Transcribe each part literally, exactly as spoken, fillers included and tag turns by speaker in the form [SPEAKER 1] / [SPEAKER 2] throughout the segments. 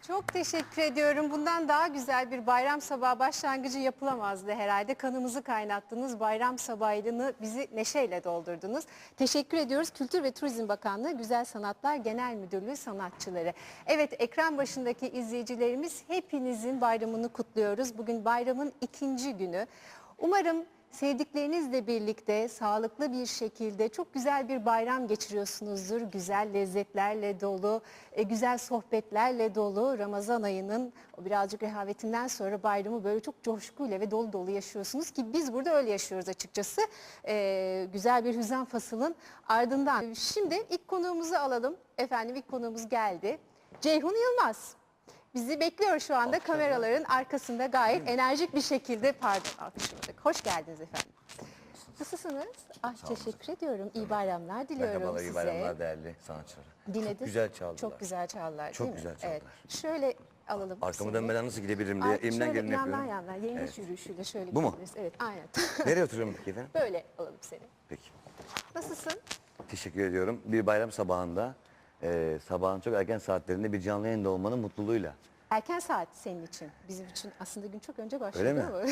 [SPEAKER 1] Çok teşekkür ediyorum. Bundan daha güzel bir bayram sabahı başlangıcı yapılamazdı herhalde. Kanımızı kaynattınız. Bayram sabahını bizi neşeyle doldurdunuz. Teşekkür ediyoruz. Kültür ve Turizm Bakanlığı Güzel Sanatlar Genel Müdürlüğü sanatçıları. Evet, ekran başındaki izleyicilerimiz, hepinizin bayramını kutluyoruz. Bugün bayramın ikinci günü. Umarım sevdiklerinizle birlikte sağlıklı bir şekilde çok güzel bir bayram geçiriyorsunuzdur. Güzel lezzetlerle dolu, e, güzel sohbetlerle dolu Ramazan ayının o birazcık rehavetinden sonra bayramı böyle çok coşkuyla ve dolu dolu yaşıyorsunuz ki biz burada öyle yaşıyoruz açıkçası. E, güzel bir hüzan fasılın ardından. Şimdi ilk konuğumuzu alalım. Efendim ilk konuğumuz geldi. Ceyhun Yılmaz. Bizi bekliyor şu anda kameraların arkasında gayet enerjik bir şekilde. Pardon, alkışladık. Hoş geldiniz efendim. Nasılsınız? Ah, teşekkür ediyorum. İyi bayramlar diliyorum
[SPEAKER 2] Merhabalar,
[SPEAKER 1] size.
[SPEAKER 2] iyi bayramlar değerli sanatçılar.
[SPEAKER 1] Dinlediniz.
[SPEAKER 2] Çok güzel çaldılar.
[SPEAKER 1] Çok güzel çaldılar.
[SPEAKER 2] Çok
[SPEAKER 1] değil mi?
[SPEAKER 2] güzel çaldılar.
[SPEAKER 1] Evet. Şöyle alalım.
[SPEAKER 2] Arkamı
[SPEAKER 1] seni.
[SPEAKER 2] dönmeden nasıl gidebilirim diye
[SPEAKER 1] Ay,
[SPEAKER 2] elimden
[SPEAKER 1] şöyle
[SPEAKER 2] geleni
[SPEAKER 1] yandan
[SPEAKER 2] yapıyorum.
[SPEAKER 1] yandan yengeç
[SPEAKER 2] Evet.
[SPEAKER 1] yürüyüşüyle şöyle
[SPEAKER 2] Bu mu?
[SPEAKER 1] gidebiliriz. Evet, aynen.
[SPEAKER 2] Nereye oturuyorum peki efendim?
[SPEAKER 1] Böyle alalım seni.
[SPEAKER 2] Peki.
[SPEAKER 1] Nasılsın?
[SPEAKER 2] Teşekkür ediyorum. Bir bayram sabahında, e, sabahın çok erken saatlerinde bir canlı yayında olmanın mutluluğuyla.
[SPEAKER 1] Erken saat senin için. Bizim için aslında gün çok önce başladı.
[SPEAKER 2] Öyle mi?
[SPEAKER 1] Ama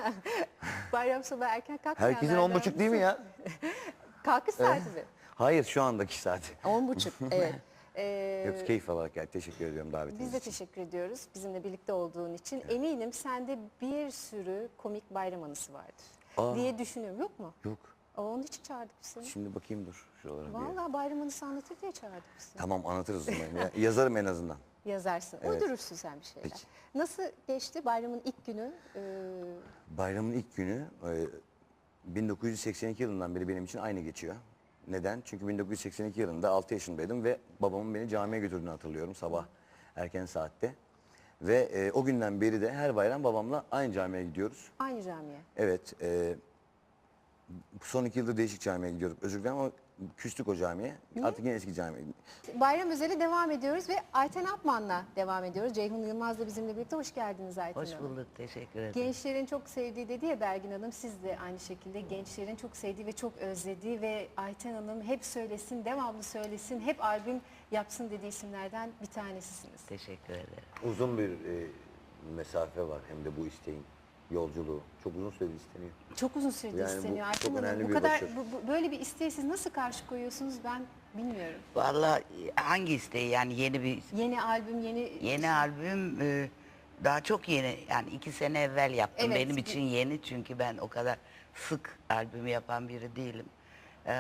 [SPEAKER 1] bayram sabahı erken kalkmayanlardan.
[SPEAKER 2] Herkesin on buçuk değil mi ya?
[SPEAKER 1] Kalkış saati mi?
[SPEAKER 2] Hayır, şu andaki saat.
[SPEAKER 1] On buçuk, evet. Ee,
[SPEAKER 2] Yok, keyif alarak geldi. Teşekkür ediyorum davetiniz
[SPEAKER 1] biz de
[SPEAKER 2] için.
[SPEAKER 1] teşekkür ediyoruz bizimle birlikte olduğun için. Eminim sende bir sürü komik bayram anısı vardır
[SPEAKER 2] Aa.
[SPEAKER 1] diye düşünüyorum. Yok mu?
[SPEAKER 2] Yok.
[SPEAKER 1] Aa, onun için çağırdık biz seni.
[SPEAKER 2] Şimdi bakayım dur şuralara bir.
[SPEAKER 1] Vallahi bayram anısı anlatır diye çağırdık biz seni.
[SPEAKER 2] Tamam, anlatırız o zaman. Ya, yazarım en azından.
[SPEAKER 1] Yazarsın,
[SPEAKER 2] Evet.
[SPEAKER 1] uydurursun sen bir şeyler.
[SPEAKER 2] Peki.
[SPEAKER 1] Nasıl geçti bayramın ilk günü? Ee,
[SPEAKER 2] Bayramın ilk günü e, bin dokuz yüz seksen iki yılından beri benim için aynı geçiyor. Neden? Çünkü bin dokuz yüz seksen iki yılında altı yaşındaydım ve babamın beni camiye götürdüğünü hatırlıyorum sabah erken saatte. Ve e, o günden beri de her bayram babamla aynı camiye gidiyoruz.
[SPEAKER 1] aynı camiye.
[SPEAKER 2] Evet, e, son iki yıldır değişik camiye gidiyoruz. Özür dilerim ama küstük o camiye. Artık yine eski camiye.
[SPEAKER 1] Bayram özeli devam ediyoruz ve Ayten Apman'la devam ediyoruz. Ceyhun Yılmaz da bizimle birlikte. Hoş geldiniz Ayten
[SPEAKER 3] Hoş
[SPEAKER 1] Hanım.
[SPEAKER 3] bulduk, teşekkür ederim.
[SPEAKER 1] Gençlerin çok sevdiği dedi ya Belgin Hanım, siz de aynı şekilde gençlerin çok sevdiği ve çok özlediği ve Ayten Hanım hep söylesin, devamlı söylesin, hep albüm yapsın dediği isimlerden bir tanesisiniz.
[SPEAKER 3] Teşekkür ederim.
[SPEAKER 2] Uzun bir e, mesafe var hem de bu isteğin yolculuğu. Çok uzun süredir isteniyor.
[SPEAKER 1] Çok uzun süredir
[SPEAKER 2] Yani bu
[SPEAKER 1] isteniyor
[SPEAKER 2] çok
[SPEAKER 1] Ayten Hanım.
[SPEAKER 2] önemli
[SPEAKER 1] Bu
[SPEAKER 2] bir
[SPEAKER 1] kadar
[SPEAKER 2] başarı.
[SPEAKER 1] bu, bu- böyle bir isteği siz nasıl karşı koyuyorsunuz ben bilmiyorum.
[SPEAKER 3] Vallahi hangi isteği yani yeni bir
[SPEAKER 1] Yeni albüm, yeni
[SPEAKER 3] yeni albüm e, daha çok yeni yani iki sene evvel yaptım.
[SPEAKER 1] Evet,
[SPEAKER 3] Benim
[SPEAKER 1] bu-
[SPEAKER 3] için yeni çünkü ben o kadar sık albümü yapan biri değilim. Ee,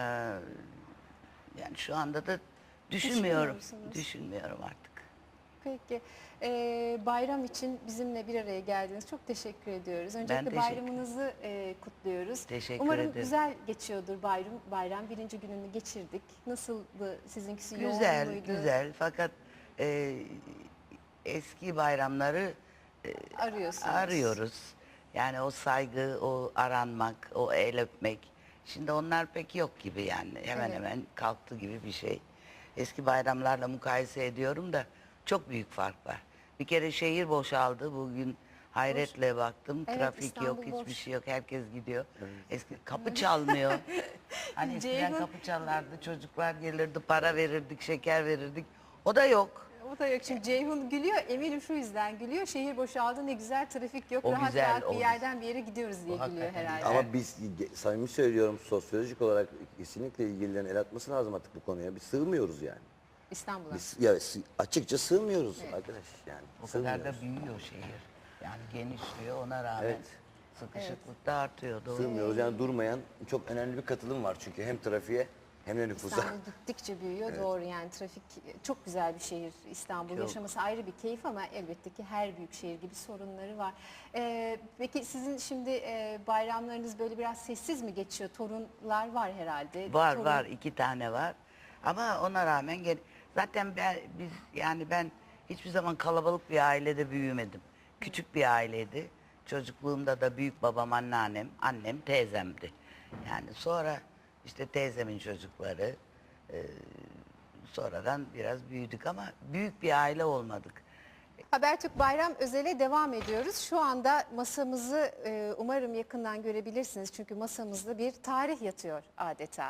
[SPEAKER 3] yani şu anda da düşünmüyorum.
[SPEAKER 1] musunuz?
[SPEAKER 3] Düşünmüyorum artık.
[SPEAKER 1] Peki. Ee, bayram için bizimle bir araya geldiniz. Çok teşekkür ediyoruz. Öncelikle
[SPEAKER 3] teşekkür
[SPEAKER 1] bayramınızı e, kutluyoruz.
[SPEAKER 3] Teşekkür
[SPEAKER 1] Umarım
[SPEAKER 3] ederim.
[SPEAKER 1] güzel geçiyordur bayram. Bayram birinci gününü geçirdik. Nasıldı sizinkisi?
[SPEAKER 3] Güzel,
[SPEAKER 1] yoğun muydu?
[SPEAKER 3] güzel fakat e, eski bayramları
[SPEAKER 1] Arıyorsunuz.
[SPEAKER 3] arıyoruz. Yani o saygı, o aranmak, o el öpmek. Şimdi onlar pek yok gibi yani. Hemen
[SPEAKER 1] Evet.
[SPEAKER 3] hemen kalktı gibi bir şey. Eski bayramlarla mukayese ediyorum da çok büyük fark var. Bir kere şehir boşaldı. Bugün hayretle baktım.
[SPEAKER 1] Evet,
[SPEAKER 3] Trafik
[SPEAKER 1] İstanbul
[SPEAKER 3] yok, hiçbir
[SPEAKER 1] boş.
[SPEAKER 3] şey yok. Herkes gidiyor. Eski kapı çalmıyor. Hani eskiden
[SPEAKER 1] Ceyhun-
[SPEAKER 3] kapı çalardı, çocuklar gelirdi, para verirdik, şeker verirdik. O da yok.
[SPEAKER 1] O da yok. Şimdi Ceyhun gülüyor. Eminim şu yüzden gülüyor. Şehir boşaldı, ne güzel, trafik yok.
[SPEAKER 3] O
[SPEAKER 1] rahat
[SPEAKER 3] güzel,
[SPEAKER 1] rahat
[SPEAKER 3] o
[SPEAKER 1] bir yerden bir yere gidiyoruz diye
[SPEAKER 3] O
[SPEAKER 1] gülüyor
[SPEAKER 3] hakikaten
[SPEAKER 1] herhalde.
[SPEAKER 2] Ama biz ge- samimi söylüyorum sosyolojik olarak kesinlikle ilgililerin el atması lazım artık bu konuya. Biz sığmıyoruz yani.
[SPEAKER 1] İstanbul'a.
[SPEAKER 2] Biz ya, sı- açıkça sığmıyoruz arkadaş yani.
[SPEAKER 3] O kadar
[SPEAKER 2] Sığmıyoruz.
[SPEAKER 3] da büyüyor şehir. Yani genişliyor ona rağmen
[SPEAKER 2] Evet.
[SPEAKER 3] sıkışıklık da artıyor. Doğru.
[SPEAKER 2] Sığmıyoruz yani durmayan çok önemli bir katılım var çünkü hem trafiğe hem de nüfusa.
[SPEAKER 1] İstanbul gittikçe büyüyor, doğru yani trafik çok güzel bir şehir İstanbul.
[SPEAKER 3] Çok.
[SPEAKER 1] Yaşaması ayrı bir keyif ama elbette ki her büyük şehir gibi sorunları var. Ee, peki sizin şimdi e, bayramlarınız böyle biraz sessiz mi geçiyor? Torunlar var herhalde.
[SPEAKER 3] Var
[SPEAKER 1] Torun-
[SPEAKER 3] var iki tane var. Ama ona rağmen gel zaten ben biz yani ben hiçbir zaman kalabalık bir ailede büyümedim. Küçük bir aileydi. Çocukluğumda da büyük babam, anneannem, annem, teyzemdi. Yani sonra işte teyzemin çocukları e, sonradan biraz büyüdük ama büyük bir aile olmadık.
[SPEAKER 1] Habertürk Bayram Özel'e devam ediyoruz. Şu anda masamızı e, umarım yakından görebilirsiniz. Çünkü masamızda bir tarih yatıyor adeta.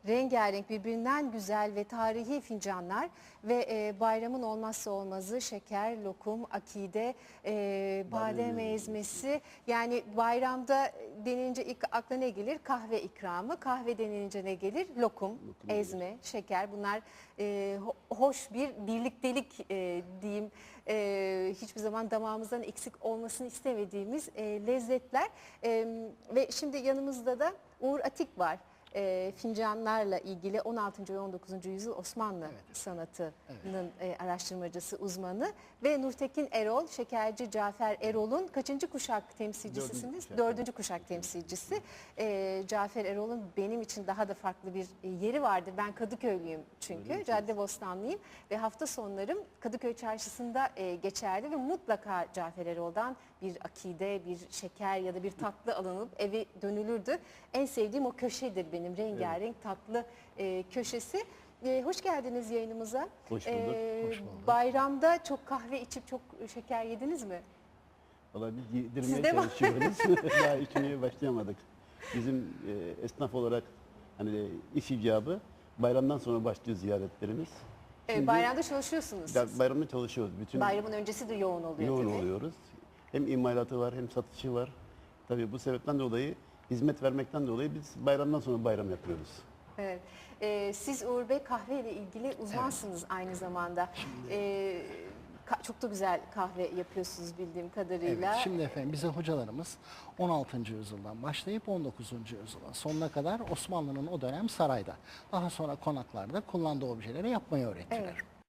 [SPEAKER 1] rengarenk, birbirinden güzel ve tarihi fincanlar ve e, bayramın olmazsa olmazı şeker, lokum, akide, e, badem ezmesi. Yani bayramda denince ilk akla ne gelir? Kahve ikramı. Kahve denilince ne gelir? Lokum, ezme, şeker. Bunlar e, ho- hoş bir birliktelik e, diyeyim. E, hiçbir zaman damağımızdan eksik olmasını istemediğimiz e, lezzetler. E, ve şimdi yanımızda da Uğur Atik var. E, fincanlarla ilgili on altıncı ve on dokuzuncu yüzyıl Osmanlı sanatının e, araştırmacısı, uzmanı ve Nurtekin Erol, şekerci Cafer Erol'un kaçıncı kuşak temsilcisisiniz?
[SPEAKER 4] kuşak,
[SPEAKER 1] Dördüncü kuşak temsilcisi. E, Cafer Erol'un benim için daha da farklı bir e, yeri vardır. Ben Kadıköylüyüm çünkü, Caddebostanlıyım ve hafta sonlarım Kadıköy Çarşısı'nda e, geçerdi ve mutlaka Cafer Erol'dan bir akide, bir şeker ya da bir tatlı alınıp eve dönülürdü. En sevdiğim o köşedir benim, rengarenk tatlı e, köşesi. E, hoş geldiniz yayınımıza.
[SPEAKER 4] Hoş bulduk, hoş bulduk.
[SPEAKER 1] Bayramda çok kahve içip çok şeker yediniz mi?
[SPEAKER 4] Valla biz
[SPEAKER 1] Siz
[SPEAKER 4] yedirmeye
[SPEAKER 1] de mi?
[SPEAKER 4] çalışıyoruz. Daha içmeye başlayamadık. Bizim e, esnaf olarak hani iş icabı bayramdan sonra başlıyor ziyaretlerimiz.
[SPEAKER 1] E,
[SPEAKER 4] Şimdi
[SPEAKER 1] bayramda çalışıyorsunuz
[SPEAKER 4] ya
[SPEAKER 1] siz.
[SPEAKER 4] bayramda çalışıyoruz. Bütün
[SPEAKER 1] Bayramın öncesi de yoğun oluyor
[SPEAKER 4] yoğun
[SPEAKER 1] tabii.
[SPEAKER 4] oluyoruz. Hem imalatı var hem satışı var. Tabii bu sebepten dolayı hizmet vermekten dolayı biz bayramdan sonra bayram yapıyoruz.
[SPEAKER 1] Evet. Ee, siz Uğur Bey kahve ile ilgili uzmansınız aynı zamanda. Ee, ka- çok da güzel kahve yapıyorsunuz bildiğim kadarıyla.
[SPEAKER 5] Evet, şimdi efendim bize hocalarımız on altıncı yüzyıldan başlayıp on dokuzuncu yüzyılın sonuna kadar Osmanlı'nın o dönem sarayda, daha sonra konaklarda kullandığı objeleri yapmayı öğrettiler.
[SPEAKER 1] Evet.